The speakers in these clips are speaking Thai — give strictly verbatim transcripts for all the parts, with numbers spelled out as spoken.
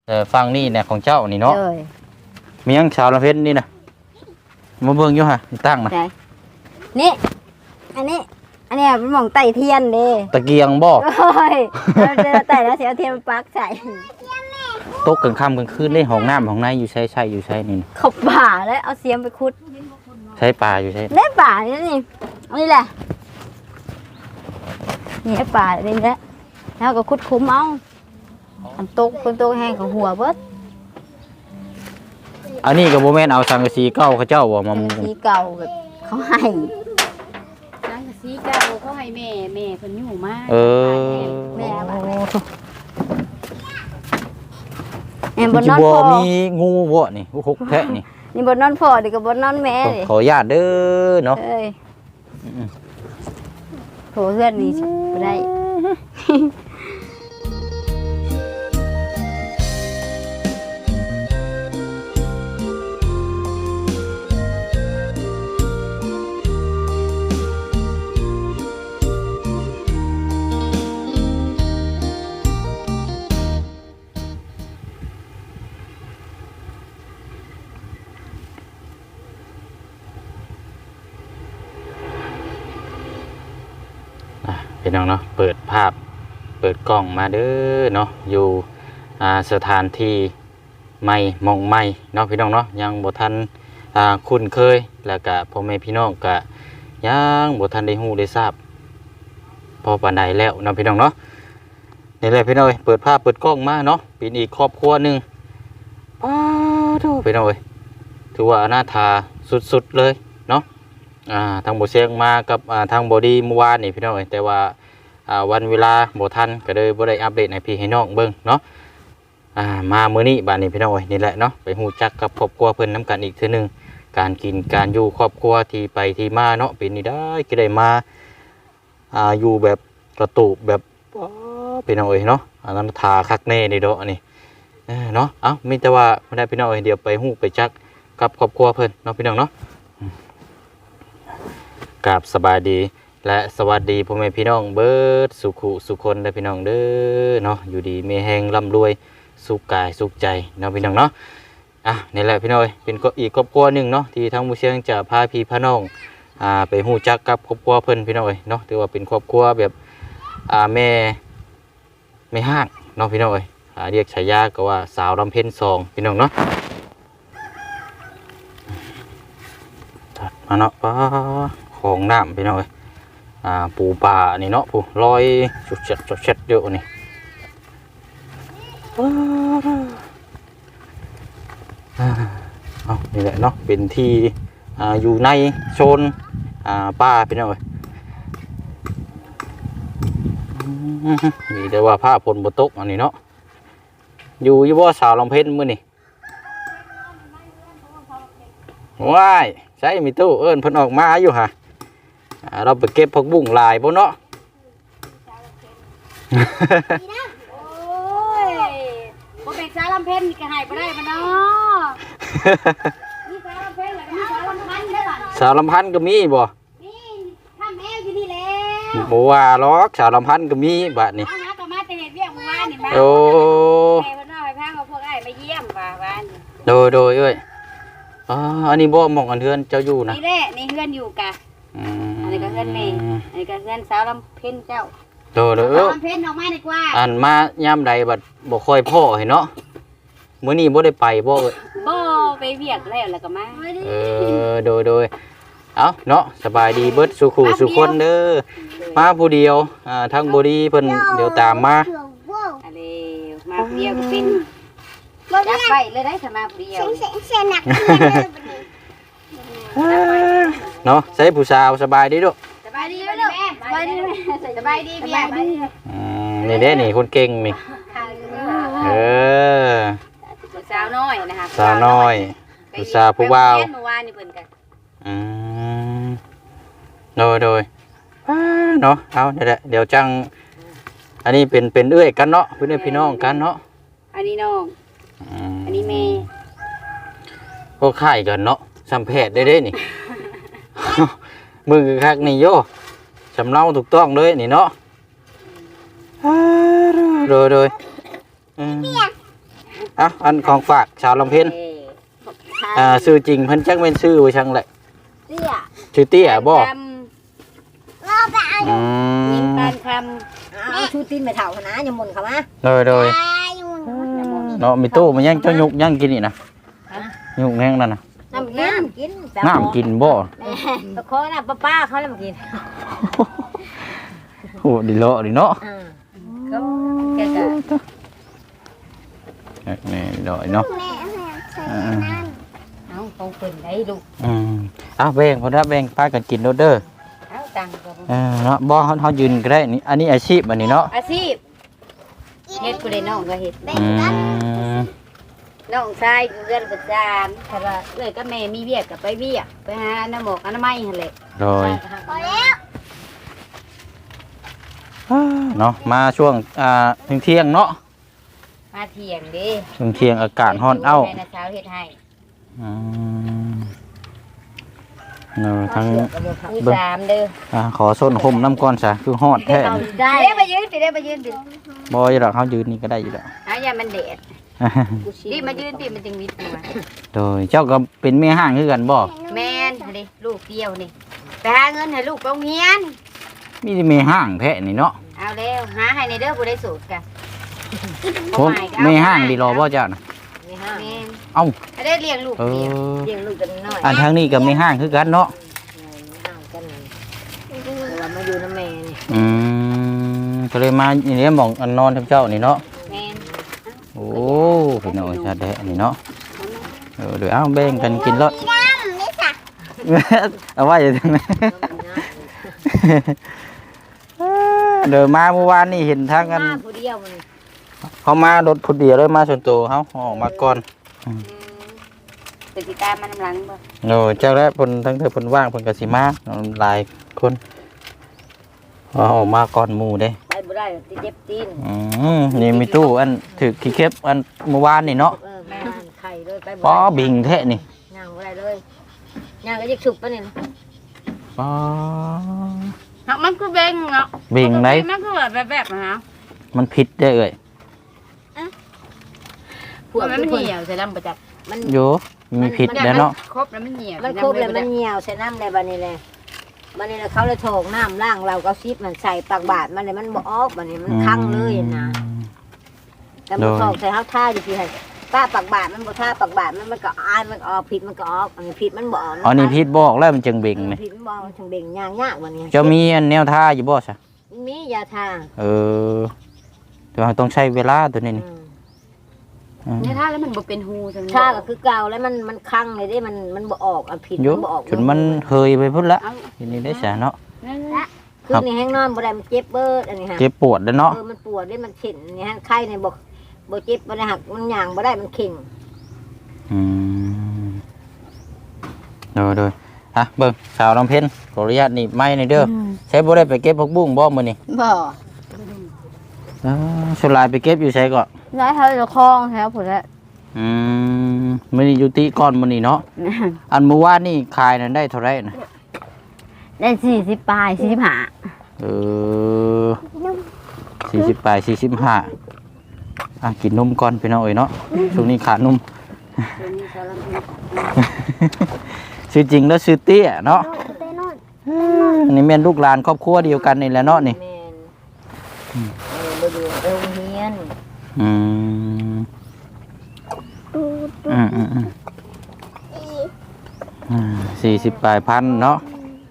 แต่ฟังนี่เนี่ยของเจ้านี่เนาะเลยมียังชาวละเพชรนี่นะมาเบิ่งอยู่ฮะตั้งนะไหนนี่อันนี้อันนี้เป็นหม่องไต่เทียนเด้ตะเกียงบ่โอ้ยเราจะไต่แล้วเสียเทียนมาปักใส่ตกกลางค่ำกลางคืนได้ห้องน้ำห้องในอยู่ใช้ใช้อยู่ใช้นี่นะขบป่าแล้วเอาเสียมไปขุดใช้ปลาอยู่ใช้ได้ป่านี่นี่อันนี้แหละนี่ไอ้ป่านี่แหละแล้วก็ขุดคุ้มเอาทำตกคนตกแห้งของหัวเบิดอันนี้ก็บ่แม่นเอาสังกะสีเก่าเขาเจ้าบ่มามุงสีเก่าแบบเขาให้สังกะสีเก่าเขาให้แม่แม่เพิ่นอยู่มาเออแม่เอาไปแม่บนจินอนบ่พอมีงูบ่นี่หกแทะนี่นี่บนนอนพอเดี๋ยวกับบนนอนแม่เลยขออนุญาตเด้อเนาะเอ้ยโถเพื่อนนี่บ่ได้พี่น้องเนาะเปิดภาพเปิดกล้องมาเด้อเนาะอยู่อ่าสถานที่ใหม่มองใหม่เนาะพี่น้องเนาะยังบ่ทันอ่าคุ้นเคยแล้วก็พ่อแม่พี่น้องก็ยังบ่ทันได้ฮู้ได้ทราบพอปานใดแล้วเนาะพี่น้องเนาะนี่แหละพี่น้องเอ้ยเปิดภาพเปิดกล้องมาเนาะเป็นอีกครอบครัวหนึงป้าโธ่พี่น้องเอ้ยถือว่าอนาถาสุดๆเลยเนาะอ่าทางบ่เสียงมากับอ่าทางบ่ดีเมื่อวานนี่พี่น้องเอ้ยแต่ว่าอ่าวันเวลาบ่ทันก็เลยบ่ได้อัปเดตให้พี่ให้น้องเบิ่งเนาะอ่ามามื้อนี้บัดนี้พี่น้องเอ้ยนี่แหละเนาะไปฮู้จักกับครอบครัวเพิ่นนํกันอีกเทื่อนึงการกินการอยู่ครอบครัวที่ไปที่มาเนาะเป็นนี่ได้ก็ได้มาอ่าอยู่แบบกระตูบแบบอ๋อพี่น้องเอ้ยเนาะอันนั้นทาคักแน่นี่เด้ออันนี้เออเนาะเอ้ามีแต่ว่าบ่ได้พี่น้องเอ้ยเดี๋ยวไปฮู้ไปจักกับครอบครัวเพิ่นเนาะพี่น้องเนาะกราบสบายดีและสวัสดีพ่อแม่พี่น้องเบิดสุขุสุคนได้พี่น้องเด้อเนาะอยู่ดีมีแฮงร่ำรวยสุขกายสุขใจเนาะพี่น้องเนาะอ่ะนี่แหละพี่น้องเป็นก็อีกครอบครัวหนึ่งเนาะที่ทางผู้เชี่ยวชาญจะพาพี่พาน้องอ่าไปฮู้จักกับครอบครัวเพิ่นพี่น้องเนาะถือว่าเป็นครอบครัวแบบอ่าแม่แม่ห้างเนาะพี่น้องอ่าเรียกฉายาก็ว่าสาวลำเพ็ญสองพี่น้องเนาะตัดมาเนาะป้าของน้ำพี่น้องเอ้ยอ่าปูปลานี่เนาะปูลอยสุดเช็ดสุดเช็ดเยอะนี่เอานี่แหละเนาะเป็นที่อ่าอยู่ในโซนอ่าป่าพี่น้องเอ้ยนี่แต่ว่าผ้าฝนบ่ตกอันนี้เนาะอยู่ยี่บ่สาวลำเพ็ญมื้อนี่ว้ายใช่มีตู้เอิ้นเพิ่นออกมาอยู่ฮะเราไปเก็บผักบุ้งลายบ่เนาะโอ้ยบ่เป็นสาวลำเพ็ญนี่ก็ให้บ่ได้บ่เนาะมีสาวลำเพ็ญแล้วก็มีสาวลำพันธ์เด้อบัดสาวลำพันธ์ก็มีบ่นี่ทำแอวอยู่นี่แหละบ่ว่าหรอกสาวลำพันธ์ก็มีบัดนี้เอาหาก็มาแต่เฮ็ดเวียกเมื่อวานนี่มาโอ้แม่เพิ่นเอาให้พาเอาพวกอ้ายมาเยี่ยมว่าว่านี่โดยโดยเอ้ยอ๋ออันนี้บ่หม่องอันเทือนเจ้าอยู่นะนี่แหละนี่เฮือนอยู่กะอืมอันนี้ก็เฮือนแม่อันนี้ก็เฮือนสาวลำเพ็ญเจ้าโดยโดยสาเอ้วย ลำเพ็ญออกมาดีกว่าอันมายามใดบัดบ่ค่อยพ่อให้เนาะมื้อนี้บ่ได้ไปบ่เอ้ยบ่ไปเวียกแล้วแล้วก็มาเออโดยโดยเอ้าเนาะสบายดีเบิดสุขุสุคนเด้อมาผู้เดียวอ่าทางบ่ดีเพิ่นเดี๋ยวตามมาอะไรมาผู้เดียวก็เป็นจับไปเลยได้ถ้ามาผู้เดียวเนาะใส่ผู้สาวสบายดีลูกสบายดีไหมลูกสบายดีไหมสบายดีเบียร์อืมนี่เด้นี่คนเก่งนี่เออสาวน้อยนะคะสาวน้อยผู้สาวผู้บ่าวเมื่อวานนี่เพิ่นกันอืมโดยโดยเนาะเอาเดี๋ยวเดี๋ยวจังอันนี้เป็นเป็นเอื้อยกันเนาะเพื่อนพี่น้องกันเนาะอันนี้น้องอันนี้แม่ก็ค่ายกันเนาะสัมเพศได้เด้นี่ มือคักนี่โยสำเนาถูกต้องเลยนี่เนาะโดยโดยอ่ะอันของฝากชาวลำเพ็ญอ่าชื่อจริงเพิ่นจักแม่นชื่อว่าจังได๋เตี้ยชื่อเตี้ยบ่คอืำยิงมปานคเอาชูตีนไปเฒ่านะอย่าหมุนเข้ามาโดยโดยเนาะมีตู้มันยังเจ้ายุกยังกินนี่นะยุกแห้งนั่นน่ะน้ำกินกินน้ำกินบ่ตะโคน่ะป้าๆเขาแล้วมากินโอ้ดิเลาะดิเนาะอ่าำก็แกก็นี่ดิเลาะเนาะอ่าเอาของเพิ่นได้ลูกอืมเอาแบ่งพอได้แบ่งพากันกินโดดเด้อเอาตังค์ก็เออเนาะบ่เฮาเฮายืนก็ได้นี่อันนี้อาชีพอันนี้เนาะอาชีพเฮ็ดกูได้น้องก็เฮ็ดอืมน้องชายเรือนประจานถ้าว่าเอ้ยก็แม่มีเวียกก็ไปเวียกไปหาน้ำหมอกอนามัยหั่นแหละโดยเนาะมาช่วงอ่าเที่ยงๆเนาะมาเที่ยงเด้ช่วงเที่ยงอากาศร้อนเอ้าแม่น่ะเช้าเฮ็ดให้อืมเนาะทั้งมีสามเด้ออ่าขอส้นห่มน้ำก้อนซะคือฮอดแท้ได้ได้มายืนปิได้มายืนปิบ่อยู่ดอกเฮายืนนี่ก็ได้อยู่ดอกอาอย่ามันแดดดิมายืนปิมันจึงวิดตัวโดยเจ้าก็เป็นแม่ห้างคือกันบ่แม่นดิลูกเดียวนี่ไปหาเงินให้ลูกไปโรงเรียนมีแต่แม่ห้างแท้นี่เนาะเอาแล้วหาให้ในเด้อบ่ได้สูตรกันผมแม่ห้างดีรอบ่เจ้าน่ะแม่ห้างแม่นเอ้าให้ได้เลี้ยงลูกเอเดียวอเลี้ยงลูกกันน้อยอันทางนี้ก็แม่ห้างคือกันเนาะห่างกันเรามาอยู่น้ำแม่นี่อืมก็เลยมาอย่างนี้หมองอันนอนทำเจ้านี่เนาะแม่นโอ้พี่น้องชาแดะนี่เนาะเออเดี๋ยวเอาแบ่งกันกินรถเอาไว้อย่างนั้นเดี๋ยวมาเมื่อวานนี่เห็นทางกันมาผู้เดียวมันเขามารถพุดเดียวเลยมาส่วนตัวเขาออกมาก่อนเป็นติตามมันน้ำหลังบ่โอ้เจ้าแล้วเพิ่นทั้งเธอเพิ่นว่างเพิ่นก็สิมาหลายคนเอาออกมาก่อนหมู่เด้ไปบ่ได้ติเจ็บตีนอืมนี่มีตู้อันถือขี้เข็บอันเมื่อวานนี่เนาะเออแม่นไข่เลยไปบ่ป้อได้บิงแท้นี่ย่างบ่ได้เลยย่างก็จะฉุบปะนี่ป้อเนาะมันคือเบ่งเนาะบิงไหนมันคือแบบแบบนะฮะมันผิดได้เอ่ยพวกมันเหี่ยวใส่น้ำประจักมันโยมีผิดแล้วเนาะครบแล้วมันเหี่ยวมันครบแล้วมันเหี่ยวใส่น้ำในบัดนี้เลยบัดนี้เขาเลยโถงน้ำล่างเราก็ซิบมันใส่ปากบาดมันเลยมันบ่ออกบัดนี้มันคั่งเลยนะแต่มันสอกใส่เฮาท่าอยู่ที่ให้ป้าปากบาดมันบ่ท่าปากบาดมันมันก็อายมันออกผิดมันก็ออกอันนี้ผิดมันบ่ออกอ๋อนี่ผิดบอกแล้วมันจึงเบ่งนี่ผิดมันบ่ออกถึงเบ่งยากยากบัดนี้จะมีอันแนวท่าอยู่บ่ซะมียาทาเออแต่ว่าต้องใช้เวลาตัวนี้นี่เนี่ยถ้าแล้วมันบ่เป็นหูจังท่าก็คือเก่าแล้วมันมันคั่งเลยได้มันมันบ่ออกอันผิดโยมันบ่ออกจนมันเฮยไปพุ่นละทีนี้ได้ซะเนาะคือนี่แห้งนอนบ่ได้มันเจ็บเบิดอันนี้ฮะเจ็บปวดแล้วเนาะเออมันปวดได้มันเข็นนี่ฮะไข้เนี่ยบอกบ่เจ็บบ่ได้หักมันย่างบ่ได้มันเข่งอืมโดยโดยอ่ะเบิ่งสาวลำเพ็ญขออนุญาตหนีบไม้ในอยเด้อใช้บ่ได้ไปเก็บผักบุ้งบ่มื้อนี้บ่อ่าสุรายไปเก็บอยู่ใช้ก่อนได้เฮาจะคล้องแล้วพุ่นละอืมมื้อนี้อยู่ติก่อนมื้อนี้เนาะอันเมื่อวานนี่ขายนั้นได้เท่าไหร่น่ะได้สี่สิบปลายสี่สิบห้าเออสี่สิบปลายสี่สิบห้าอ่ะกินนมก่อนพี่น้องเอ้ยเนาะช่วงนี้ขาดนม ชื่อจริงแล้วชื่อเตี้ยเนาะอันนี้แม่นลูกหลานครอบครัวเดียวกันนี่แหละเนาะนี่แม่นเออบ่อยู่โรงเรียนอืมอืมอืมอืมอ่าสี่สิบปลายพันเนาะ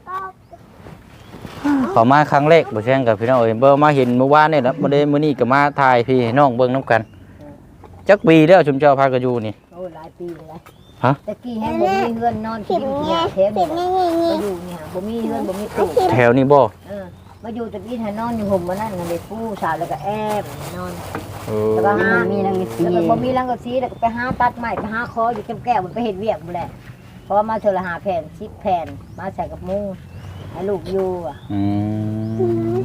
ขอมาครั้งแรกบ่แช่งกับพี่น้องเอ้ยเบิ่งมาเห็นเมื่อวานนี่แหละบ่ได้มื้อนี้ก็มาถ่ายพี่ให้น้องเบิ่งนํกันจักปีแล้วชุมเจ้าพากันอยู่นี่โอ้หลายปีแล้วฮะตะกี้แฮงบ่มีเฮือนนอนกินเที่ยแถมนี่มาอยู่เนี่ยบ่มีเฮือนบ่มีตู้แถวนี้บ่เออมาอยู่ตะกี้ให้นอนอยู่ห่มมานั่นน่ะได้ปูสาวแล้วก็แอบนอนเออแล้วก็หามีรังกะสีแล้วก็บ่มีรังกะสีแล้วก็ไปหาตัดไม้ไปหาคออยู่แก้วๆมันไปเฮ็ดเวียกบ่แหละเพราะว่ามาเทื่อละห้าแผ่นสิบแผ่นมาใส่กับมุ้งให้ลูกอยู่อ่ะอืม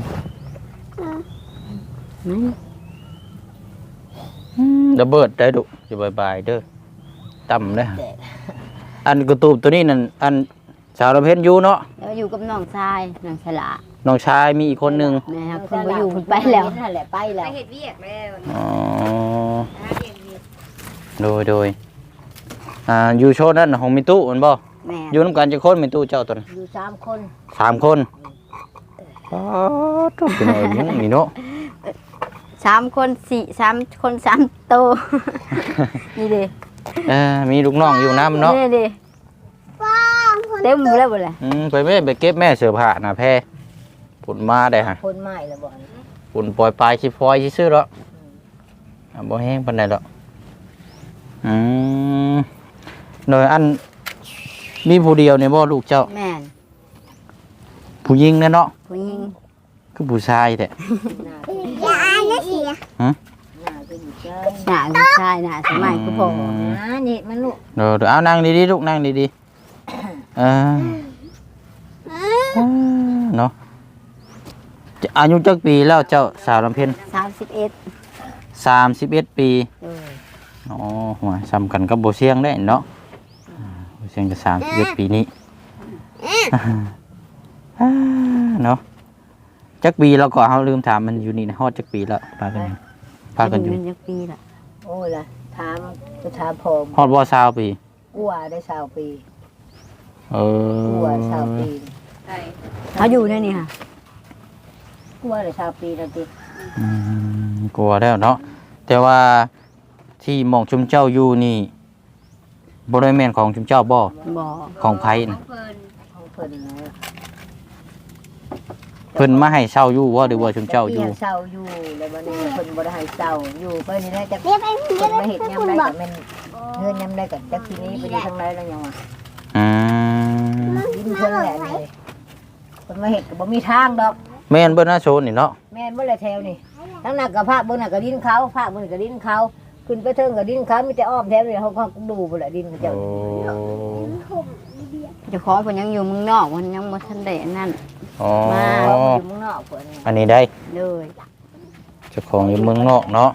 ระเบิดได้ดุจะบายๆเด้อต่ำเลยอันกระตูบตัวนี้นั่นอันสาวระเพ็ญอยู่เนาะแล้วอยู่กับน้องชายน้องฉลาน้องชายมีอีกคนหนึ่งแม่ครับเพิ่นบ่อยู่เพิ่นไปแล้วนั่นแหละไปไปแล้วเฮ็ดเวียกแล้วอ๋อหาเวียกเวียกโดยโดยอ่าอยู่โชว์นั่นของมีตู้มันบ่แม่อยู่น้ำกันจะคนมีตู้เจ้าตัวนั้นอยู่สามคนสามคนอ๋อทุกคนเลยยังนี่เนาะสามคนสี่สามคนสามโตว นี่ดิเออมีลูกน้องอยู่น้ำเนาะนี่ดิเต็มหมดแล้วหมดเลยอืมไปแม่ไปเก็บแม่เสือผ้านะแพ้ผลมาได้ฮะคนใหม่ละบ่อนผลปล่อยปลายชิฟอยซื่อๆแล้วอ่ะบ่แห้งปานใดหรอกอืมโดยอันมีผู้เดียวเนี่ยบ่ลูกเจ้าแม่นผู้หญิงแน่เนาะผู้หญิงคือผู้ชายแท้หน้าอย่าอ่านนะเสียฮะหน้าก็อยู่ใจหน้าผู้ชายหน้าสมัยคือพ่อนะนี่มันลูกเดี๋ยวเดี๋ยวเอานั่งดีๆลูกนั่งดีๆเออเนาะจะอายุจักปีแล้วเจ้าสาวลำเพ็ญสามสิบเอ็ดสามสิบเอ็ดปีเอออ๋อหัวซ้ำกันกับโบเซียงได้เนาะอ่าโบเซียงจะสามสิบเอ็ดปีนี้อ่าเนาะจักปีเราก็เขาลืมถามมันอยู่นี่นะฮอดจักปีแล้วพากันอยู่พากันอยู่เงินจักปีละโอ้ยล่ะถามก็ถามผมฮอดบ่สาวปีกลัวได้สาวปีเอกลัวอสาวปีเขาอยู่ในนี่ค่ะกลัวได้สาวปีแล้วติอืมกลัวแล้วเนาะแต่ว่าที่หมองชุมเจ้าอยู่นี่บริเวณของชุมเจ้าบ่บ่ของไผน่ะของเพิ่นนะเพิ่นมาให้เช่าอยู่ว่าหรือว่าชุมเจ้าอยู่พี่เศร้าอยู่แล้วบัดนี้เพิ่นบ่ได้ให้เศร้าอยู่เพิ่นนี่ได้จักเรียกไปเพิ่เรียนกไปมาเฮ็ดยามคุณใดบอก็กแม่นเงินยามใดก็จักทีนี้ไปอยู่ทางใดแล้วยังว่าอืมดินเพิ่นแหละนี่เพิ่นมาเฮ็ดก็บ่มีทางดอกแม่นเบิ่นหน้าโซนนี่เนาะแม่นบ่เลยแถวนี่ทั้งนั้นก็ภาคเบิ่งน่ะก็ดินเขาภาคเบิ่งก็ดินเขาขึ้นไปเทิงก็ดินเขามีแต่อ้อมแถวนี่เขาก็ดูพุ่นแหละดินเขาเจ้าโอ้เจ้าของเพิ่นยังอยู่เมืองนอกเพิ่นยังบ่ทันได้อันนั่นอ๋อมาเขาอยู่เมืองนอกพุ่นนี่อันนี้ได้เลยเจ้าของอยู่เมืองนอกเนาะ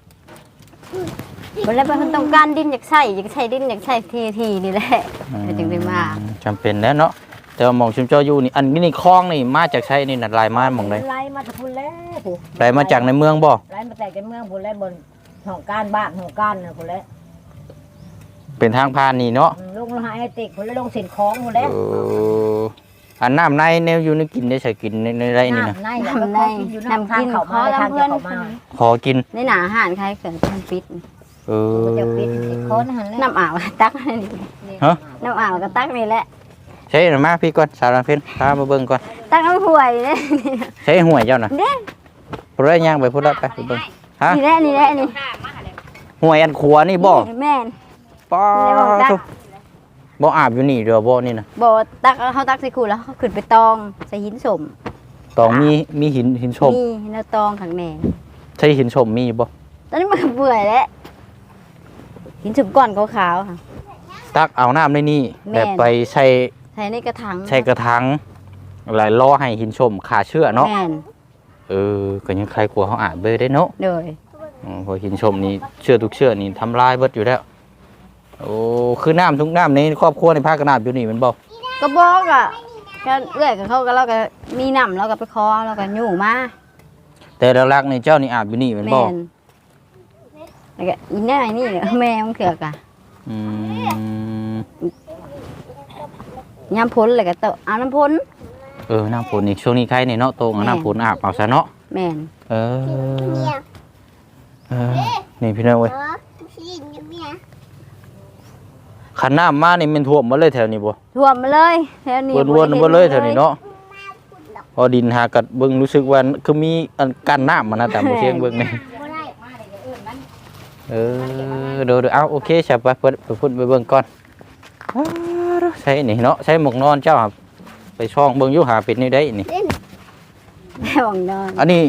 เพิ่นแล้วเพิ่นต้องการดินอยากใช้อยากใช้ดินอยากใช้ที่ที่นี่แหละเพิ่นจึงได้มาจำเป็นแล้วเนาะแต่ว่าหมองชุมเจ้าอยู่นี่อันนี้นี่คลองนี่มาจากใช้นี่น่ะลายมาหม่องใดไล่มาจากพุ่นแล้วผู้ลายมาจากในเมืองบ่ไล่มาแต่กันเมืองพุ่นแล้วบนห้องการบ้านห้องการน่ะพุ่นแล้วเป็นทางผ่านนี่เนาะอืมลงหาไอ้ติ๊กพุ่นแล้วลงสินของพุ่นแล้วเอออันน้ำในแนวอยู่ในกินได้ใส่กินในในไรนี่นะน้ำในแล้วก็ขอกินอยู่น้ำทางเขามาทางจะเขามาขอกินในหน้าอาหารใครเกิดมันปิดเออก็จะปิดสิคนหันแล้วน้ำอ่าวตักนี่ฮะน้ำอ่าวก็ตักนี่แหละใช่หรือมาพี่ก่อนสาวรังเพนพามาเบิ่งก่อนตักน้ำห่วยนี่ใช้ห่วยเจ้าน่ะเด้พูดได้ย่างไปพูดได้ไปไปเบิ่งฮะนี่แหละนี่แหละนี่ห่วยอันขัวนี่บ่แม่นป้านี่บอกได้ทุกบ่อาบอยู่นี่เด้อบ่นี่น่ะบ่ตักเขาตักใส่ขูดแล้วเขาขึ้นไปตองใส่หินสมตองมีมีหินหินชมมีแล้วตองข้างในใช่หินชมมีบ่ตอนนี้มันเบื่อแล้วหินสมก้อนขาวๆค่ะตักเอาน้ำในนี่แม่แบบนไปใส่ใส่ในกระถางใส่กระถางหลายล้อให้หินชมขาเชื่อเนาะแม่นเออก็ยังใครกลัวเขาอาบเบยได้เนาะโดยอ๋อเพอหินชมนี่เชื่อทุกเชื่อนี่ทำลายเบิดอยู่แล้ว โอ้คือน้ำทุกน้ำในครอบครัวในภาคกระนาบอยู่นี่แมันบอกก็บอกอ่ะก็เอื้อยกับเขาก็เราก็มีน้ำเราก็ไปคอเราก็อยู่มาแต่หลักๆในเจ้านี่อาบอยู่นี่แมันบแม่อกนแล้วก็อีน่านี่เนี่ยแม่มันเขือกอ่ะอืมยามพ้นเลยก็เตะเอาน้ำพ้นเออน้ำฝนนี่ช่วงนี้ใครในเนาะโตงเอาแม่น้ำฝนอาบเอาซะเนาะแม่นเออเนี่ยเออนี่พี่น้องเว้ยเออพี่เนี่ยขันน้ำมานี่มันท่วมหมาเลยแถวนี้บ่ท่วมมาเลยแถวนี้วนๆมาเลยแถวนี้เนาะพอดินหากัดเบิ่งรู้สึกว่าคือมีอันกั้นน้ำมานะแต่บ่เชียงเบิ่งนี่บ่ได้เออเดี๋ยวๆเอาโอเคใช่ไปเพิ่นไปพุ่นไปเบิ่งก่อนอ้าวใช่นี่เนาะใช้หมวกนอนเจ้าครับไปช่องเบิ่งอยู่หาเป็ดนี่ได้นี่แม่วังนอนอันนี้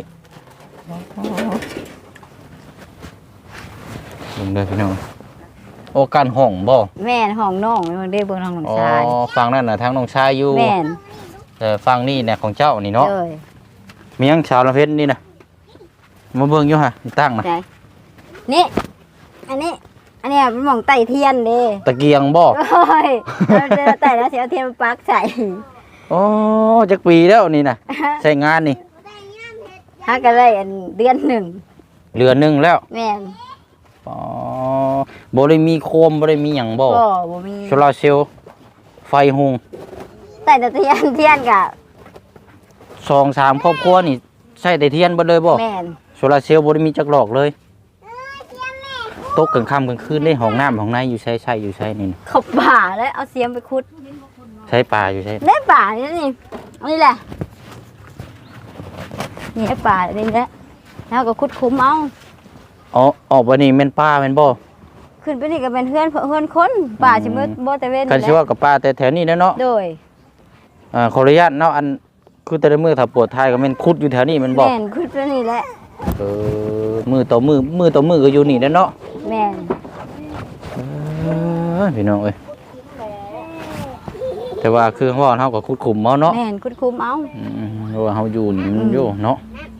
เบิ่งเด้อพี่น้องโอ้การห้องบ่แม่นห้องน้องมันได้เบิ่งทางหลังอ๋อชายฟังนั่นน่ะทางน้องชายอยู่แม่นแต่ฟังนี่เนี่ยของเจ้านี่เนาะเลยมีหยังชาวละเพชรนี่น่ะมาเบิ่งอยู่ฮะนี่ตั้งน่ะไหนนี่อันนี้ อันเนี้ยเป็นหม่องไต่เทียนเด้ตะเกียงบ่โอ้ยเราจะไต่แล้วเสียเทียนมาปักใส่โอ้จักปีแล้วนี่น่ะใช้งานนี่ฮักก็ได้อันเดือนหนึ่งเรือนหนึงแล้วแม่นอ๋อบ่ได้มีโคมบ่ได้มีหยังบ่บ่บ่มีโซลาร์เซลล์ไฟหุงแต่แต่เทียนเทียนกะสองสามครอบครัวนี่ใช้แต่เทียนเบ่เลยบ่แม่นโซลาร์เซลล์บ่ได้มีจักหลอกเลยตกกลางค่ำกลางคืนได้ห้องน้ำห้องในอยู่ใช้ใช้อยู่ใช้นี่นะเขาป่าแล้วเอาเสียมไปขุดใช้ปลาอยู่ใช้ได้ป่านี่นี่เอานี่แหละนี่ไอ้ป่านี่แหละแล้วก็ขุดคุ้มเอาอ๋อออกบ่นี่แม่นปลาแม่นบ่ขึ้นไปนี่ก็เป็นเพื่อนเพื่อนคนป่าสิมืดบ่แต่เว้นกันสิว่ากับปลาแต่แถวนี้แหล้วเนาะโดยอ่าขออนุญาตเนาะอันคือแต่ละมือถ้าปวดท้ายก็แม่นคุดอยู่แถวนี้แม่นบ่แม่นขุดไปนี่แหละเออมือต่อมือมือต่อมือก็อยู่นี่แหล้วเนาะแม่นเออพี่น้องเอ้ยแต่ว่าคือว่าเฮาก็คุดขุมเมาเนาะแม่นขุดคุ้มเอาอืมเพราะว่าเฮาอยู่นี่มันอยู่เนาะ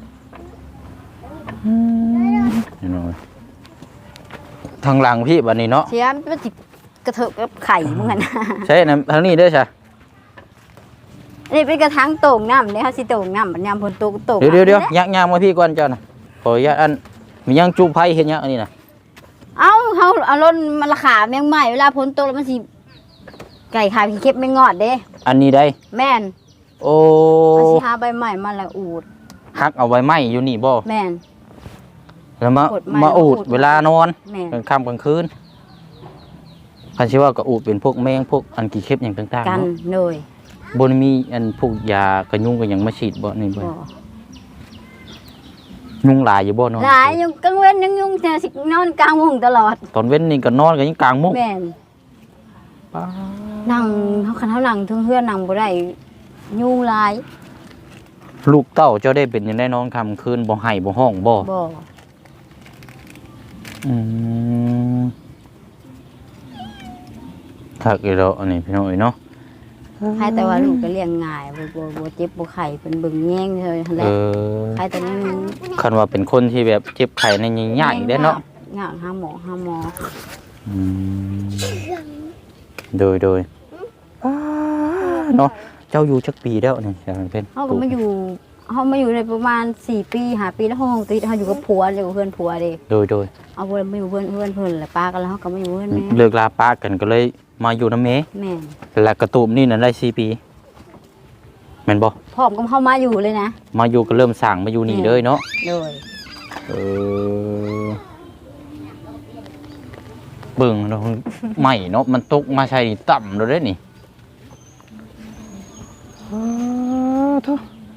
พี่น้องเอ้ยทางหลังพี่บัดนี้เนาะเสียมมันสิกระเถิบกับไข่มึงกันนะใช่นะทางนี้เด้อจ้ะอันนี้เป็นกระถางโต่งน้ำเนี่ยเขาสิโต่งน้ำบัดยามฝนตกโต่งเดี๋ยวเดี๋ยวเดี๋ยวน้ำนี่แหละยักยางมาพี่ก่อนเจ้าน่ะขออนุญาตอันมียังจูไผเฮ็ดหยังอันนี้น่ะเอ้าเขาเอารถมันราคาแมงใหม่เวลาฝนตกแล้วมันสิไก่ขาพี่เก็บไม่งอดเด้อันนี้ได้แม่นโอ้มันสิหาใบใหม่มาแล้วอูดฮักเอาไว้ไหมอยู่นี่บ่แม่นแล้วมากดไม้มาอูดอูดเวลานอนแม่นกลางค่ำกลางคืนคันสิว่าก็อูดเป็นพวกแมงพวกอันกี่เข็บอย่างต่างๆกันเนาะเลยบ่ได้มีอันพวกยากระยุงก็ยังมาฉีดบ่นี่บ่บ่ยุงหลายอยู่บ่เนาะหลายอยู่กลางเว้นยังยุ่งแต่สินอนกลางมุ้งตลอดตอนเว้นนี่ก็นอนกันยังกลางมุ้งแม่นนั่งเขาคันเขานั่งเทึงเฮือนนั่งบ่ได้ยุ่งหลายลูกเต้าเจ้าได้เป็นจังได๋นอนค่ำคืนบ่ให้บ่ห้องบ่บ่อืมคักอีแล้วอันนี้พี่น้องเอ้ยเนาะให้แต่ว่าลูกก็เลี้ยงง่ายบ่บ่บ่เจ็บบ่ไข้เพิ่นเบิ่งแย่งเลยหั่นแหเอละอใครแต่นั้นคันว่าเป็นคนที่แบบเจ็บไข้ในใหญ่ๆได้เนาะยากหาหมอหาหมออืมโดยโดยอ่าเนาะเจ้าอยู่จักปีแล้วนี่ใช่ไหมเพิ่นเฮาก็มาอยู่เฮามาอยู่ในประมาณสี่ปีห้าปีแล้วห้องติดเฮาอยู่กับผัวอยู่กับเพื่อนผัวเด้โดยโดยเอาเพิ่นมาอยู่เพื่อนเพื่อนเพิ่นแหละป้ากันแล้วเฮาก็มาอยู่เพื่อนแม่เลิกลาป้ากันก็เลยมาอยู่น้ำเมแม่นและกระตูมนี่นั่นได้สี่ปีแม่นบ่พร้อมกับเฮามาอยู่เลยนะมาอยู่ก็เริ่มสั่งมาอยู่นี่เลยเนาะโดยเออเบิ่งเนาะใหม่เนาะมันตกมาใช่นี่ต่ำเลยเด้นี่อ้าวโถ่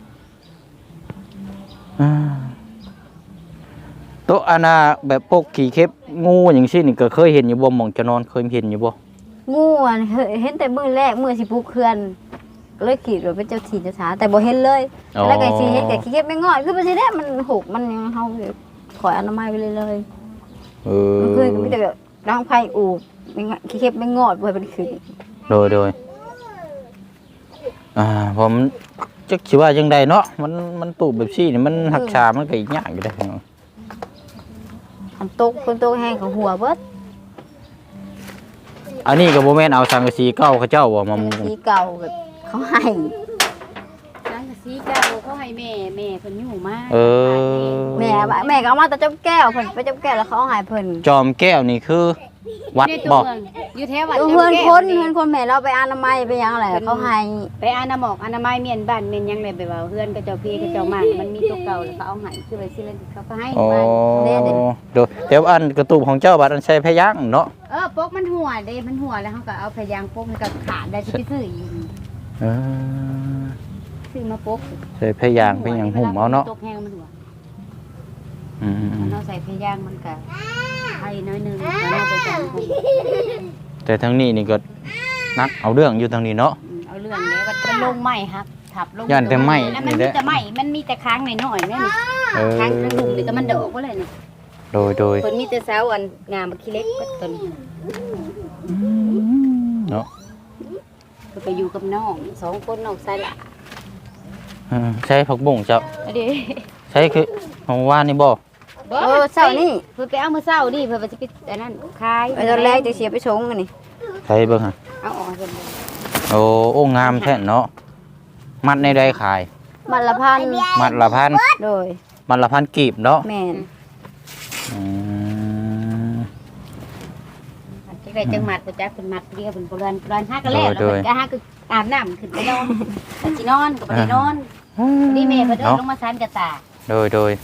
อ่าโต๊ะอาณาแบบพวกขี่เข็บงูอย่างเช่นนี่ก็เคยเห็นอยู่บ่หม่องจะนอนเคยเห็นอยู่บ่งูอ่ะเห็นแต่มื้อแรกมื้อสิปลูกเขื่อนก็เลยคิดว่าเป็นเจ้าที่เจ้าทางแต่บ่เห็นเลย แล้วก็สิเฮ็ดก็ขี้เก็บไม่งอดคือมันสิได้มันหกมันยังเฮาถอยอนามัยไปเลยเลยเออมันคือมีแต่แบบร่างไผอูบไม่งอขี้เก็บไม่งอดบ่ให้มันขึ้นโดยโดยอ่าผมจักสิว่าจังใดเนาะมันมันตูบแบบซี่นี่มันหักษามันก็อีกอย่างอยู่ได้ออันตกคนตกแห้งของหัวเบิดอันนี้ก็บ่แม่นเอาสังกะสีเก่าเขาเจ้าบ่มามุงสีเก่าแบบเขาให้สังกะสีเก่าเขาให้แม่แม่เพิ่นอยู่มาเออแม่ว่าแม่ก็เอามาแต่จบแก้วเพิ่นไปจบแก้วแล้วเขาเอาให้เพิ่นจอมแก้วนี่คือวัดในบ่ตัวเมืองอยู่แถววัดเพื่อนจำแก้วคนนี่เพื่อนคนแม่เราไปอนามัยไปหยังอะไรเขาให้ไปอานาหมอกอนามัยเมียนบ้านเมียนหยังเลยไปว่าเพื่อนก็เจ้าพี่ก็เจ้ามากมันมีตัวเก่าแล้วเขาเอาให้คือไปสิเลยเขาก็ให้อ๋อมาโดยแต่ว่าอันกระตูบของเจ้าบัดอันใช้พยัญชนะเนาะเออปกมันหัวเด้มันหัวแล้วเขาก็เอาพยางปกมันก็ขาดได้สิไปซื้ออีกเออซื้อมาปกใช้พยางค์เป็นหยังหุ่มเอาเนาะตกแห้งมันหัวอืมมันเอาใส่พยางมันก็ให้น้อยหนึงแล้วเอาไปจังหุ่มๆแต่ทางนี้นี่ก็นักเอาเรื่องอยู่ทางนี้เนาะอืมเอาเรื่องเด้ว่ามันลงไหม้ครับทับลงย่านแต่ไหม้แล้วนี่มันแหมีละแต่ไหม้มันมีแต่ค้างหน่อยๆแม่นี่เออค้างกระดุมนี่ก็มันดอกว่าเลยนี่โดยโดยเพิ่นมีแต่สาวอันงามบักขี้เล็กก็ตนเนาะเพิ่นไปอยู่กับน้องสองคนน้องชายหละเออใช้ผักบุ้งเจ้าอันนี้ใช้คือของว่านนี่บ่เออเช้านี่เพิ่นไปเอามื้อเช้านี่เพิ่นว่าสิไปอันนั้นขายไปตอนแรกจะเสียไปชงกันนี่ใช้เบิ่งฮะเอาออกให้เพิ่นเลยโอ้โอ้งามแท้เนาะมัดในใดขายมัดละพันมัดละพันโดยมัดละพันกีบเนาะแม่นอืมได้จังหมัดบ่จักเพิ่นมัดเดียวเพิ่นบ่เรือนเรือนหาก็แล้วแล้วเพิ่นก็หาคืออาบน้ำขึ้นไปนอนก็สินอนก็บ่ได้นอนนี่แม่เพิ่นเดินลงมาซานกระตาโดยโดย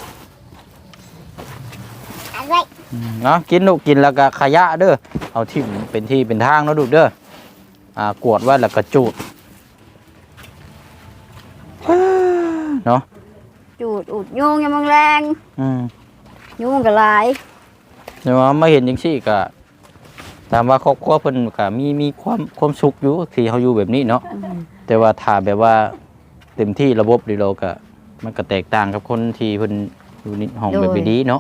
อะไรอืมเนาะกินลูกกินแล้วก็ขยะเด้อเอาที่เป็นที่เป็นทางเนาะลูกเด้ออ่ากวดไว้แล้วก็จูดเนาะจูดอุดยุงยามมื้อแรงอืมยุงก็หลายเดี๋ยวว่ามาเห็นจังซี่ก็ถามว่าครอบครัวเพิ่นก็มีมีความความสุขอยู่ที่เฮาอยู่แบบนี้เนาะแต่ว่าถ้าแบบว่าเต็มที่ระบบนี่เราก็มันก็แตกต่างกับคนที่เพิ่นอยู่ในห้องแบบนี้เนาะ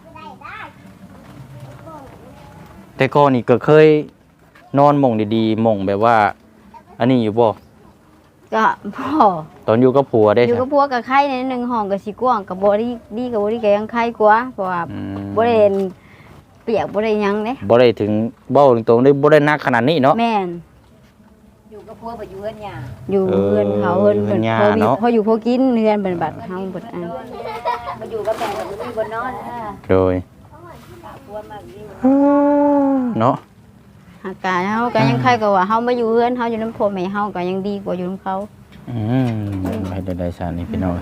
แต่ก่อนนี่ก็เคยนอนหม่องดีๆหม่องแบบว่า อันนี้อยู่บ่ก็พ่อตอนอยู่กับผัวได้อยู่ใช่กับพวกกับไข่ในหนึ่งห้องก็สิกว้างกับบ่ได้ดีกับบ่ได้ก็ยังไข่กว่าเพราะว่าอืมบ่ได้เปียกบ่ได้หยังเด้บ่ได้ถึงเบ้าตรงๆได้บ่ได้หนักขนาดนี้เนาะแม่นอยู่กับพัวบ่อยู่เฮือนหยาอยู่เออเฮือนเขาเฮือนเฮืเพิ่อนนย่าพอมีเนาะพออยู่พอกินเฮือนเป็นบัดเฮาเบิดอันมาอยู่กับแม่ก็บ่มีบ่นอนอ่าโดยพัวมาอยู่เนาะอากาศเฮาก็ยังไข่กว่าเฮามาอยู่เฮือนเฮาอยู่นำพ่อแม่เฮาก็ยังดีกว่าอยู่นำเขาอืมไม่ได้ได้สารนี่พี่น้อง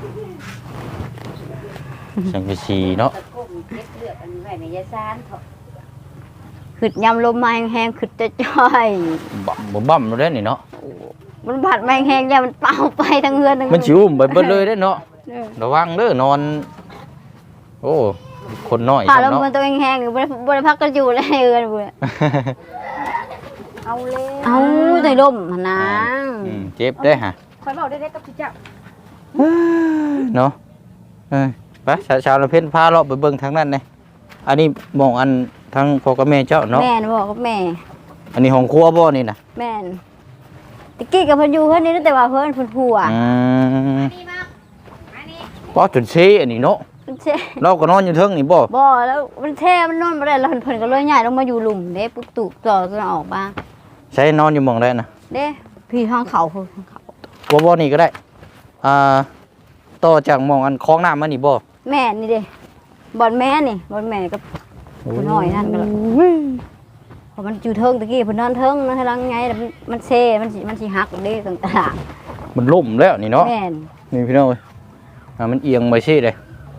สังกะสีเนาะตะกุ่มเก็บเลือดอันไว้ในยาซานเถาะขึ้นยามลมมาแห้งๆขึ้นจะจ้อยบ่บ่บ่ำเลยนี่เนาะมันผัดมาแห้งๆยามมันเป่าไปทั้งเฮือนทั้งมันสิอุ้มไปเบิดเลยเด้เนาะเด้อระวังเด้อนอน โอ้คนน้อยผ่าลมเนาะมันตัวแห้งๆนี่บ่ได้บ่ได้พักกันอยู่เลยเฮือนพุ่นเอาเลยเอาตัวลมหั่นนะอืมเจ็บได้ฮะคอยเว้าได้ๆกับพี่เจ้าเนาะเออไปชาวชาวละเพิ่นพาเลาะไปเบิ่งทางนั้นเลยอันนี้หมองอันทางพ่อกับแม่เจ้าเนาะแม่นบอกกับแม่อันนี้ห้องครัวบ่นี่น่ะแม่นตะกี้กับเพิ่นอยู่เพิ่นนี่แต่ว่าเพิ่นเพิ่นผัวอืมบ่จนเซอันนี้เนาะมันเช่เราก็นอนอยู่เทิงนี่บ่บ่แล้วมันแช่มันนอนบ่ได้แล้วเพิ่นเพิ่นก็เลยย้ายลงมาอยู่หลุมเด้ปุ๊บตุกต่อกันออกมาใช้นอนอยู่หมองได้น่ะเด้พี่ทางเขาเพิ่นทางเขาบ่บ่นี่ก็ได้ อ่า ต่อจากหมองอันคลองน้ำมานี่บ่แม่นี่เด้บ่อนแม่นี่บ่อนแม่กับผู้น้อยนั่นก็แล้วเพราะมันอยู่เทิงตะกี้เพิ่นนอนเทิงนะให้ลังไงแล้วมันมันเช่มันสิมันสิหักเด้ตรงตลาดมันล่มแล้วนี่เนาะแม่นนี่พี่น้องเอ้ยอ่ามันเอียงไปซี่เลย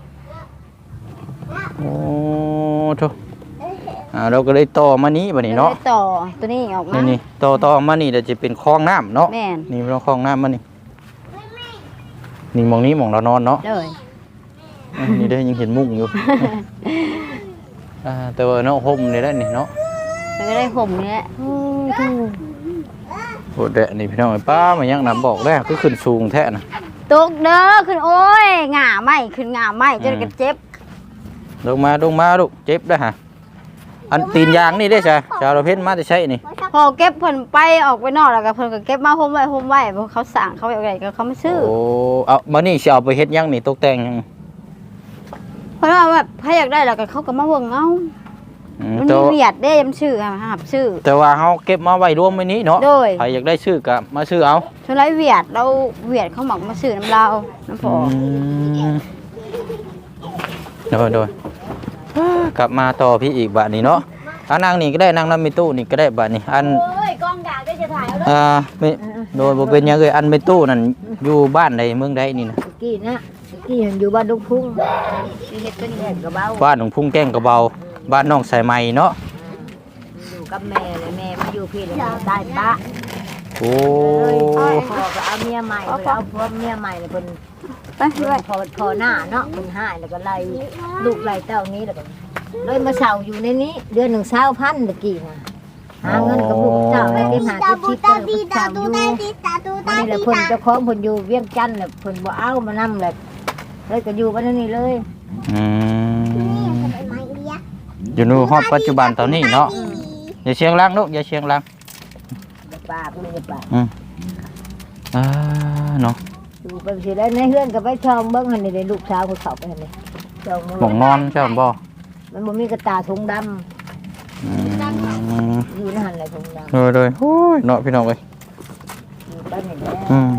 โอ้โธ่อ่าเราก็เลยต่อมานี้บัดนี้เนาะแล้วต่อตัวนี้ออกมานี่นี่ต่อต่อมานี่เดี๋ยวจะเป็นคลองน้ำเนาะแม่นนี่เราคลองน้ำมานี่นี่หมองนี้หมองเรานอนเนาะเลยอ่ะนี่ได้ยังเห็นมุ้งอยู่ อ่าแต่ว่าเนาะห่มนี่ได้นี่เนาะแล้วก็ได้ผมนี่แหละโอ้ทูโอ้เดะนี่พี่น้องไอ้ป้ามันยังนำบอกแล้วก็ขึ้นสูงแท้นะตกเด้อขึ้นโอ้ยหง่าไหมขึ้นหง่าไหมจนกระเจ็บลงมาลงมาลูกเจ็บได้อฮะอันตีนยางนี่ได้ใช่ชาวเราเพ้นมาจะใช่นี่พอเก็บเพิ่นไปออกไปนอกแล้วก็เพิ่นก็เก็บมาห่มไว้ห่มไว้เพราะเขาสั่งเขาอะไรก็เขาไม่ซื้อโอ้เอามานี่สิเอาไปเฮ็ดหยังนี่ตกแต่งหยังเพราะว่าแบบถ้าอยากได้แล้วก็เขาก็มาเบิ่งเอาอืมมันแต่มีว่าเวียดเด้มันชื่อค่ะหับชื่อแต่ว่าเฮาเก็บมาไว้รวมไว้นี้เนาะโดยใครอยากได้ชื่อก็มาชื่อเอาชนไรเวียดเราเวียดเขาหมักมาซื้อน้ำเราน้ำพอมโดยโดยกลับมาต่อพี่อีกบาทนี้เนาะอันนั่งนี่ก็ได้นั่งน้ำมีตู้นี่ก็ได้บาทนี้อันเอ้ยกองดาก็จะถ่ายเอาอ่าไม่โดยบ่เป็นหยังเลยอันไม่ตู้นั่นอยู่บ้านใดเมืองใดนี่นะตะกี้นะตะกี้เห็นอยู่บ้านลูกพุ่งที่เฮ็ดเป็นแห่งกระเบ้าบ้านของพุ่งแก้งกระเบาบ้านน้องสายไหมเนาะอยู่กับแม่เลยแม่มาอยู่พี่เลยตายปะโอ้พอก็เอาเมียใหม่เลยเอาผัวเมียใหม่เลยเพิ่นไปด้วยพอพอหน้าเนาะเพิ่นหายแล้วก็ไล่ลูกไล่เต้านี้แล้วก็เลยมาเช่าอยู่ในนี้ เดือนหนึ่งเช้าพันตะกี้น่ะหาเงินกับลูกเจ้าได้เป็นหาตาที่บูชิดตากันดีเช่าตาอตูยู่ตาดีตาตูตานี่แหละดีเพิ่นตาเจ้าของเพิ่นอยู่เวียงจันทน์น่ะเพิ่นบ่เอามานำเลยเลยก็อยู่บ้านนี้เลยอืมไม่เลี้ยอยู่ในฮอดปัจจุบันตอนนี้เนาะอย่าเชียงลังลูกอย่าเชียงลังอย่าปากเลยอย่าปากอืมอ่าเนาะอยู่ไปสิได้ในเฮือนก็ไปช่องเบิ่งหั่นนี่ได้ลูกสาวเขาเข้าไปหั่นนี่ช่องหมองนอนใช่บ่มันบ่มีกระตาถุงดำอืมอยู่ในหั่นแหละถุงดำโดยโดยโอ้ยเนาะพี่น้องเอ้ยอยู่ไปนี่แหละอืม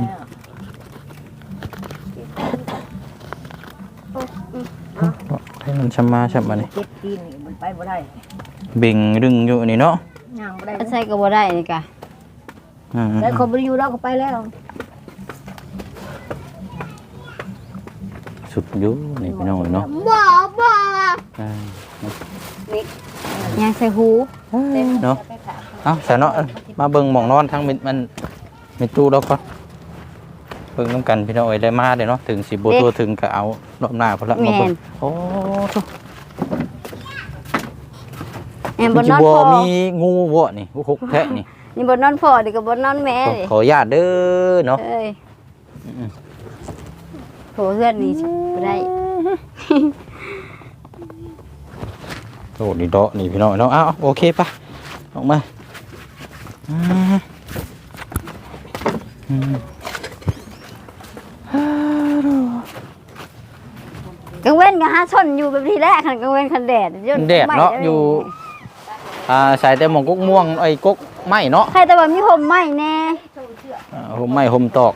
ให้มันชำมาชำมานี่เจ็บตีนนี่มันไปบ่ได้เบ่งดึงอยู่นี่เนาะางบ่ได้ใส่ก็บ่ได้นี่กะอืมแล้วคนบ่อยู่แล้วก็ไปแล้วสุดอยู่นี่พี่น้องเนาะบ่บ่อ่ายังใส่หูเนาะเอาซะเนาะมาเบิ่งหม่องนอนทั้งมิมันมีตู้แล้วก็เบิ่งนํกันพี่น้องเอ้ยได้มาเด้เนาะถึงสิบ่ตัวถึงก็เอารอบหน้าพุ่นละมาเบิ่งโอ้โธ่แอมมับ่นนจะอนบ่พอมีงูบ่นี่หกแทะนี่นี่บ่นอนพอนี่ก็บ่นอนแม่ขอเลยขออนุญาตเด้อเนาะเอ้ยโถเพื่อนนี่บ่ได้โอ้นี่เดาะนี่พี่น้องเนาะอ้าวโอเคปะออกมาอืมอืมกังเว้นก็หาชนอยู่แบบที่แรกคันกังเว้นคันแดดจนแดดเนาะอยู่อ่าใส่แต่หมองกุ๊กม่วงไอ้กุ๊กไม้เนาะใครแต่ว่ามีผมไหม้แน่อ่าห่มไม้ห่มตอก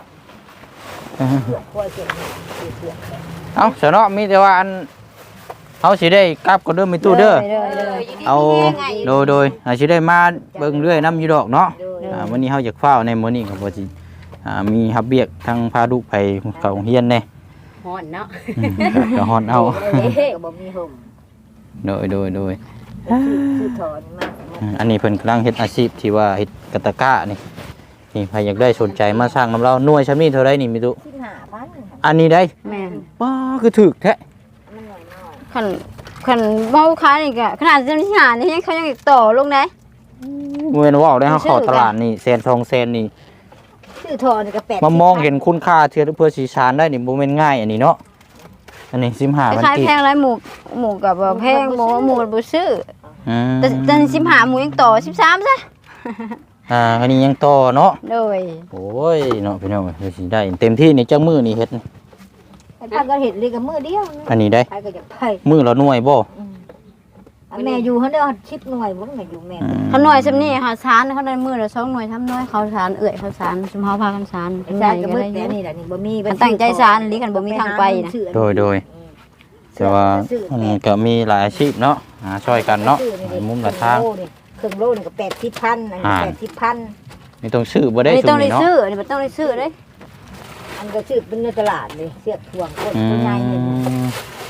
เอาเสยเนาะมีแต่ว่าอันเขาสิได้กลับก็เด้อมีตู้เด้อเด้อเด้อเอาโดยโดยอาสิได้มาเบิ่งเรื่อยน้ำอยู่ดอกเนาะอ่าวันนี้เฮาอยากเฝ้าในมื้อนี้ก็บ่สิอ่ามีฮับเบียกทางพาลูกไปเข้าโรงเรียนแน่ฮ้อนเนาะอืมก็ฮ้อนเอาเฮ้ก็บ่มีห่มโดยโดยโดยคือถอนมาอืมอันนี้เพิ่นกำลังเฮ็ดอาชีพที่ว่าเฮ็ดกะตะกร้านี่นี่ใครอยากได้สนใจมาสร้างน้ำเราหน่วยชำนี้เท่าไรนี่มีตุสิบห้าพันอันนี้ได้แม่นว้าคือถึกแท้มันหน่อยน้อยคันคันเมาค้านี่ก็ขนาดจำที่หานี่ยังเขายังอีกต่อลงได้เมื่อว่าวได้เฮาชื่อเข้ากันตลาดนี่แสนทองแสนนี่ชื่อถอนก็แปดมามองเห็นคุณค่าเชื่อเพื่อสีชานได้นี่บ่แม่นง่ายอันนี้เนาะอันนี้สิบห้าพันคล้ายกีๆบแพงไรหมูหมูกับว่าแพงหมูหมูมันบ่ซื้ออืมแต่แต่สิบห้าหมูยังต่อสิบสามซะอ่าอันนี้ยังต่อเนาะโดยโอ้ยเนาะพี่น้องเฮ้ยสิได้เต็มที่นี่จักมื้อนี่เฮ็ดนี่ไอ้พันก็เห็นเลยกับมือเดียวอันนี้ได้ไปก็จะไปมื้อละหน่วยบ่อันแม่อยู่เขาเด้อชิปหน่วยบ่แม่อยู่แม่อืมเขาหน่วยซำนี้ค่ะสารเขาได้มื้อละสองหน่วยทำหน่วยเขาสารเอื้อยเขาสารซุมเฮาพากันสารอาจารย์ก็มืดแต่นี่แหละนี่บ่มีมันตั้งใจสารลิกันบ่มีทางไปนะโดยโดยแต่ว่ามันก็มีหลายอาชีพเนาะหาช่วยกันเนาะหลายมุมหลายทางเครื่องโลนี่ก็แปดสิบพันอันนี้แปดสิบพันนี่ต้องซื้อบ่ได้ไม่ซุต้องมได้นี่เนาะซื้อนี่บ่ต้องได้ซื้อเด้อันก็ซื้อเป็นในตลาดเลยเสียบถ่วงคนอืตัวใหญ่เนี่ยม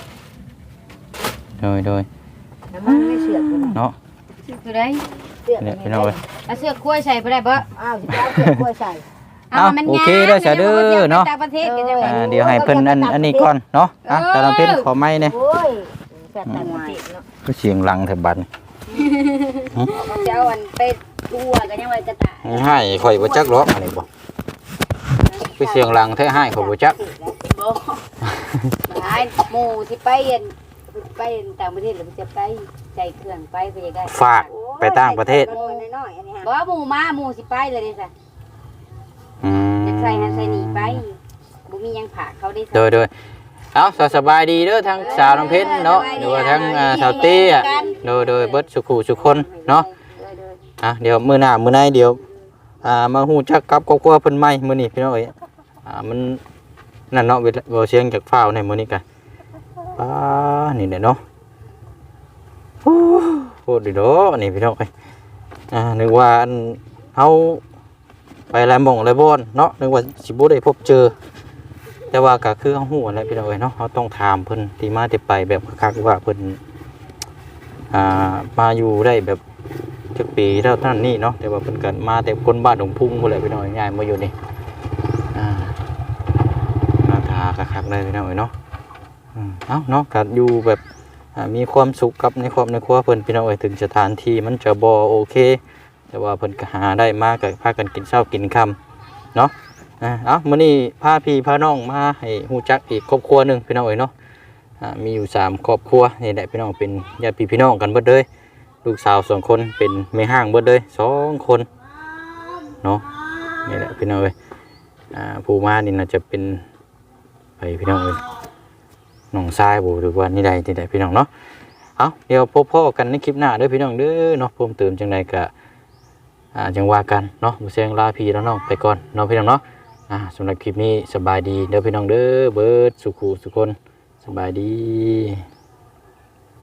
โดยโดยน้ำมันไม่เสียบเลยเนาะซื้อได้เสียบเนี่ยพี่น้องเอ้ยเอาเสื้อกล้วยใส่บ่ได้บ่อ้าวสิเอาเสียบกล้วยใส่เอาโอเคเด้อจ้ะเด้อเนาะต่างประเทศกันจังอ่าเดี๋ยวให้เพิ่นอันอันนี้ก่อนเนาะอ่ะแต่ละเพิ่นขอไม้เนี่ยโอ้ยแซ่บแต่ประเทศเนาะก็เสียงหลังแถบบัดนี่เจ้าอันไปทั่วกันยังไงกระตายให้ข่อยบ่จักหรอกอันนี้บ่คือเสียงหลังแท้ให้ข่อยบ่จักบ่หายหมู่ที่ไปเห็นไปต่างประเทศหรือจะไปใจเครื่องไปก็จะได้ฝากไปต่างประเทศน้อยๆอันนี้ฮะบ่หมู่มาหมู่สิไปเลยดิซะอืมจะใส่หันใส่นี่ไปบ่มีหยังผากเขาได้โดยโดยเอาสสบายดีเด้อทั้งสาวน้ำเพชรเนาะหรือว่าทั้งอ่าสาวเตี้ยโดยโดยเบิดสุขุสุคนเนาะอ่ะเดี๋ยวมื้อหน้ามื้อในเดี๋ยวอ่ามาฮู้จักกับครอบครัวเพิ่นใหม่มื้อนี้พี่น้องเอ้ยอ่ามันนั่นเนาะเวลาเว้าเสียงจากฟ้าวในมื้อนี้กันป้านี่แหละเนาะโอ้โหดิโดนี่พี่น้องเอ้ยอ่านึกว่าอันเฮาไปหลายหม่องหลายบ่อนเนาะนึกว่าสิบ่ได้พบเจอ แต่ว่าก็คือเขาหูอะไรพี่น้องเอ้ยเนาะเขาต้องถามเพิ่นที่มาที่ไปแบบคักๆว่าเพิ่นอ่ามาอยู่ได้แบบจักปีเท่านั้นนี่เนาะแต่ว่าเพิ่นก็มาแต่คนบ้านหนองพุ่งพุ่นแหละพี่น้องง่ายมาอยู่นี่อ่ามาทาคักๆเลยพี่น้องเอ้ยเนาะอืมเอ้าเนาะก็อยู่แบบอ่ามีความสุขกับในครอบในครัวเพิ่นพี่น้องเอ้ยถึงสถานที่มันจะบ่โอเค แต่ว่าเพิ่นก็หาได้มาก็พากันกินเช้ากินค่ำเนาะ อ่าเอามื้อนี้พาพี่พาน้องมาให้ฮู้จักอีกครอบครัวหนึงพี่น้องเอ้ยเนาะอ่ามีอยู่สามครอบครัวนี่แหละพี่น้องเป็นญาติพี่พี่น้องกันเบิดเลยลูกสาวสองคนเป็นแม่ห้างเบิดเลยสองคนเนาะนี่แหละพี่น้องเอ้ยอ่าผู้มานี่น่าจะเป็นไปพี่น้องเอ้ยน้องชายบ่หรือว่านี่ใดนี่ใดพี่น้องเนาะเอาเดี๋ยวพบพ่อกันในคลิปหน้าเด้อพี่น้องเด้อเนาะเพิ่มเติมจังไดก็อ่าจังว่ากันเนาะบ่เสียงลาพี่แล้วน้องไปก่อนเนาะพี่น้องเนาะ อ่าสำหรับคลิปนี้สบายดีเด้อพี่น้องเด้อเบิร์ดสุขุสุคนสบายดี